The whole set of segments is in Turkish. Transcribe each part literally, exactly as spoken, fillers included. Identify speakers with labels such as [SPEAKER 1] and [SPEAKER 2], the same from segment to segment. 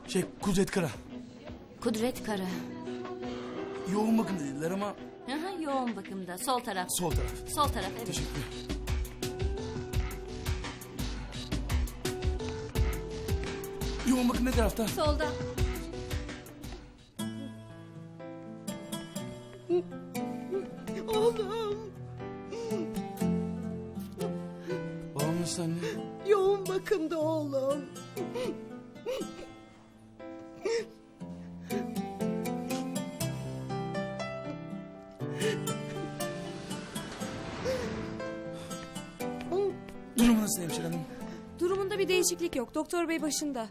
[SPEAKER 1] Şey Kudret Kara.
[SPEAKER 2] Kudret Kara.
[SPEAKER 1] Yoğun bakım dediler ama
[SPEAKER 2] Aha, yoğun bakımda. Sol taraf.
[SPEAKER 1] sol taraf.
[SPEAKER 2] Sol taraf, evet.
[SPEAKER 1] Teşekkür. Yoğun bakım ne tarafta?
[SPEAKER 2] Solda.
[SPEAKER 3] Oğlum,
[SPEAKER 1] Babam nasıl anne?
[SPEAKER 3] yoğun bakımda oğlum.
[SPEAKER 1] Durumu nasıl hemşire hanım?
[SPEAKER 4] Durumunda bir değişiklik yok. Doktor bey başında.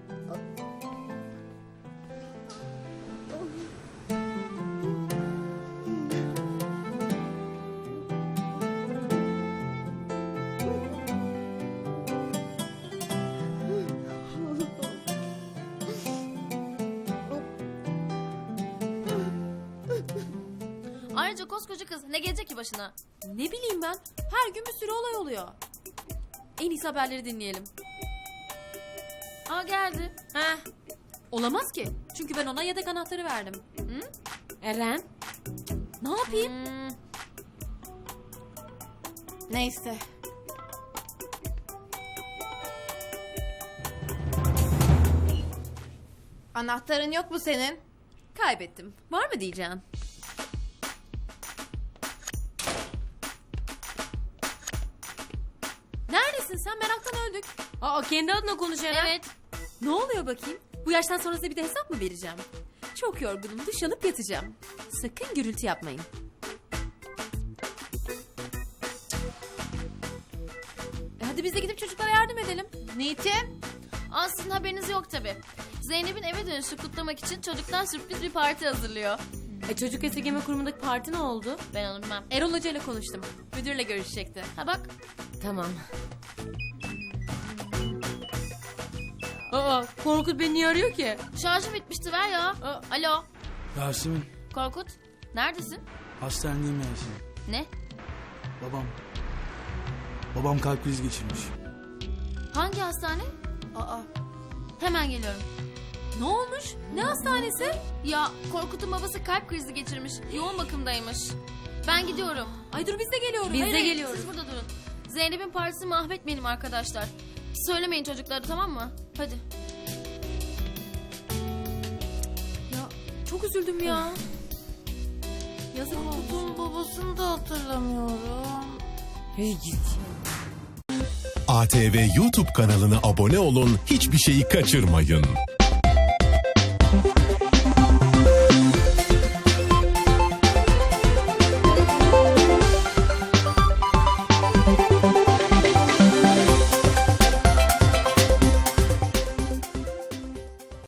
[SPEAKER 5] Ayrıca koskoca kız ne gelecek ki başına?
[SPEAKER 6] Ne bileyim ben. Her gün bir sürü olay oluyor. En iyisi haberleri dinleyelim.
[SPEAKER 5] Aa geldi.
[SPEAKER 6] Heh. Olamaz ki. Çünkü ben ona yedek anahtarı verdim. Hı? Eren. Ne yapayım?
[SPEAKER 5] Hmm. Neyse. Anahtarın yok mu senin?
[SPEAKER 6] Kaybettim. Var mı diyeceksin? Neredesin sen? Meraktan öldük. Aa, kendi adına konuş Eren.
[SPEAKER 5] Evet.
[SPEAKER 6] Ne oluyor bakayım? Bu yaştan sonra size bir de hesap mı vereceğim? Çok yorgunum. Duş alıp yatacağım. Sakın gürültü yapmayın. E hadi biz de gidip çocuklara yardım edelim.
[SPEAKER 5] Niçin? Aslında haberiniz yok tabi. Zeynep'in eve dönüşü kutlamak için çocuklar sürpriz bir parti hazırlıyor.
[SPEAKER 6] E çocuk esirgeme kurumundaki parti ne oldu?
[SPEAKER 5] Ben onu bilmem.
[SPEAKER 6] Erol Hoca ile konuştum. Müdürle görüşecekti.
[SPEAKER 5] Ha bak.
[SPEAKER 6] Tamam. Aa, Korkut beni niye arıyor ki?
[SPEAKER 5] Şarjım bitmişti, ver ya.
[SPEAKER 6] Aa.
[SPEAKER 5] Alo.
[SPEAKER 1] Yasemin,
[SPEAKER 5] Korkut. Neredesin?
[SPEAKER 1] hastanedeyim Yasemin.
[SPEAKER 5] Ne?
[SPEAKER 1] Babam. Babam kalp krizi geçirmiş.
[SPEAKER 5] Hangi hastane? Aa. Hemen geliyorum.
[SPEAKER 6] Ne olmuş? Ne hastanesi?
[SPEAKER 5] Ya Korkut'un babası kalp krizi geçirmiş. Yoğun bakımdaymış. Ben gidiyorum.
[SPEAKER 6] Ay dur biz de geliyoruz.
[SPEAKER 5] Hayır, hayır, siz burada durun. Zeynep'in partisini mahvetmeyelim arkadaşlar. Söylemeyin çocuklara, tamam mı? Hadi.
[SPEAKER 6] Ya çok üzüldüm ya. Yazık oldu.
[SPEAKER 5] Korkut'un babasını da hatırlamıyorum.
[SPEAKER 6] Hey git.
[SPEAKER 7] A T V YouTube kanalına abone olun, hiçbir şeyi kaçırmayın.